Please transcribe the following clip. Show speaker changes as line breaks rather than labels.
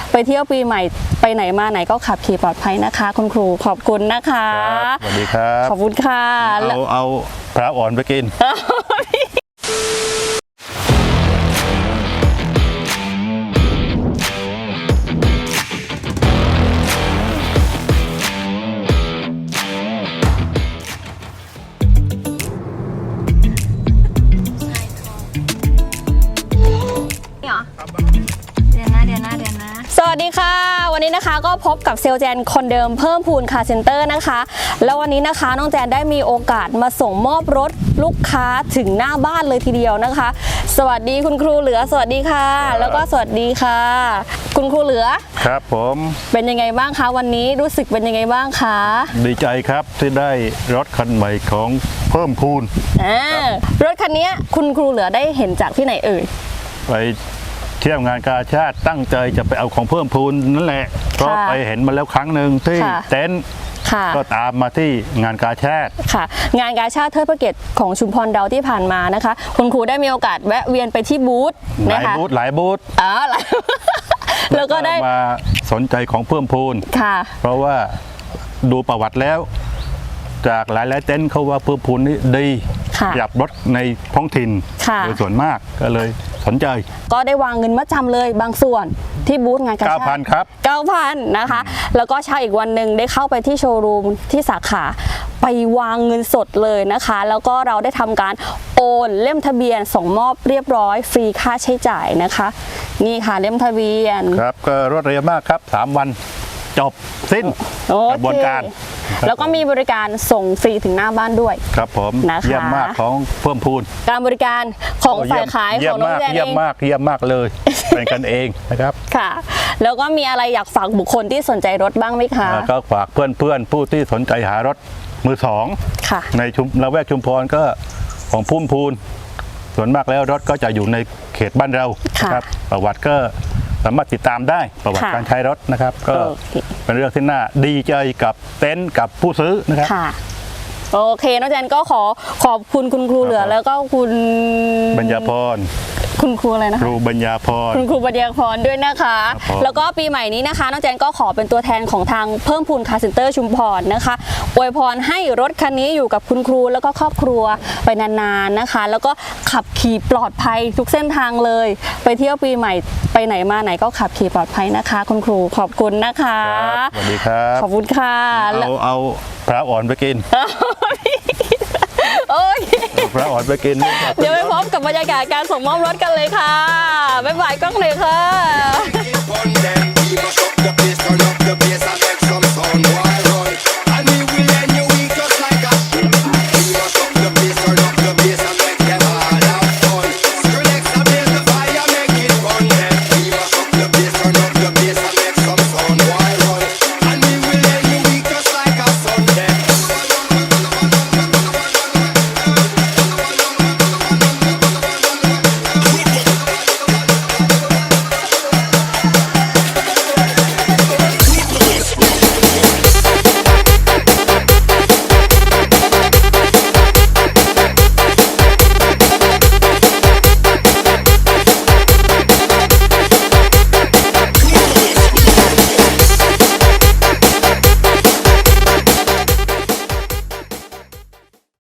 ไปเที่ยวปีใหม่ไปไหนมาไหนก็ขับขี่ปลอดภัยนะคะคุณครูขอบคุณนะคะ
สวัสดีครับ
ขอบคุณค่ะ
เอาพระอ่อนไปกิน
สวัสดีค่ะวันนี้นะคะก็พบกับเซลแจนคนเดิมเพิ่มพูนคาร์เซ็นเตอร์นะคะแล้ววันนี้นะคะน้องแจนได้มีโอกาสมาส่งมอบรถลูกค้าถึงหน้าบ้านเลยทีเดียวนะคะ สวัสดีคุณครูเหลือสวัสดีค่ะแล้วก็สวัสดีค่ะคุณครูเหลือ
ครับผม
เป็นยังไงบ้างคะวันนี้รู้สึกเป็นยังไงบ้างคะ
ดีใจครับที่ได้รถคันใหม่ของเพิ่มพูน
รถคันนี้คุณครูเหลือได้เห็นจากที่ไหนเอ่ย
ไปเที่ยวงานกาชาติตั้งใจจะไปเอาของเพิ่มพูนนั่นแหละก็ไปเห็นมาแล้วครั้งหนึ่งที่เต็นท์ก็ตามมาที่งานกาชาติ
ค่ะงานกาชาติเทิดพระเกียรติของชุมพรดาวที่ผ่านมานะคะคุณครูได้มีโอกาสแวะเวียนไปที่บูธ
นะคะหลายบูธ
แล้วก็ได้
มาสนใจของเพิ่มพูนเพราะว่าดูประวัติแล้วจากหลายเต็นท์เขาว่าเพิ่มพูนนี่ดีอยากรถในท้องถิ่นโดยส่วนมากก็เลยสนใจ
ก็ได้วางเงินมัดจำเลยบางส่วนที่บูธงานกาชาติ
9,000 ครับ
9,000 นะคะแล้วก็เช้าอีกวันหนึ่งได้เข้าไปที่โชว์รูมที่สาขาไปวางเงินสดเลยนะคะแล้วก็เราได้ทำการโอนเล่มทะเบียนส่งมอบเรียบร้อยฟรีค่าใช้จ่ายนะคะนี่ค่ะเล่มทะเบียน
ครับก็รวดเร็วมากครับ3 วันจบสิ้นกระบวนการ
แล้วก็มีบริการส่งฟรีถึงหน้าบ้านด้วย
ครับผมเยี่ยมมากของเพิ่มพูน
การบริการของฝ่ายขายของน้องแจนเอง
เยี่ยมมากเลยเป็นกันเองนะครับ
ค่ะแล้วก็มีอะไรอยากฝากบุคคลที่สนใจรถบ้างไหมคะ
ก็ฝากเพื่อนผู้ที่สนใจหารถมือสองในละแวกชุมพรก็ของพุ่มพูนส่วนมากแล้วรถก็จะอยู่ในเขตบ้านเราครับประวัติก็สามารถติดตามได้ประวัติการใช้รถนะครับก็เป็นเรื่องที่น่าดีใจกับเต็นท์กับผู้ซื้อนะครับ
โอเคน้องแจนก็ขอบคุณคุณครูเหลือแล้วก็คุณ
ปัญญาพร
คุณครูอะไรนะ
ครูปัญญาพร
คุณครูปัญญาพรด้วยนะคะแล้วก็ปีใหม่นี้นะคะน้องแจนก็ขอเป็นตัวแทนของทางเพิ่มพูนคาร์เซ็นเตอร์ชุมพรนะคะอวยพรให้รถคันนี้อยู่กับคุณครูแล้วก็ครอบครัวไปนานๆนะคะแล้วก็ขับขี่ปลอดภัยทุกเส้นทางเลยไปเที่ยวปีใหม่ไปไหนมาไหนก็ขับขี่ปลอดภัยนะคะคุณครูขอบคุณนะคะ
สวัสดีครับ
ขอบคุณค่ะ
เอาพระอ่อนไปกินพระอ่อนไปกิน
เดี๋ยวไปพบกับบรรยากาศการส่งมอบรถกันเลยค่ะบ๊ายบายกล้องเลยค่ะ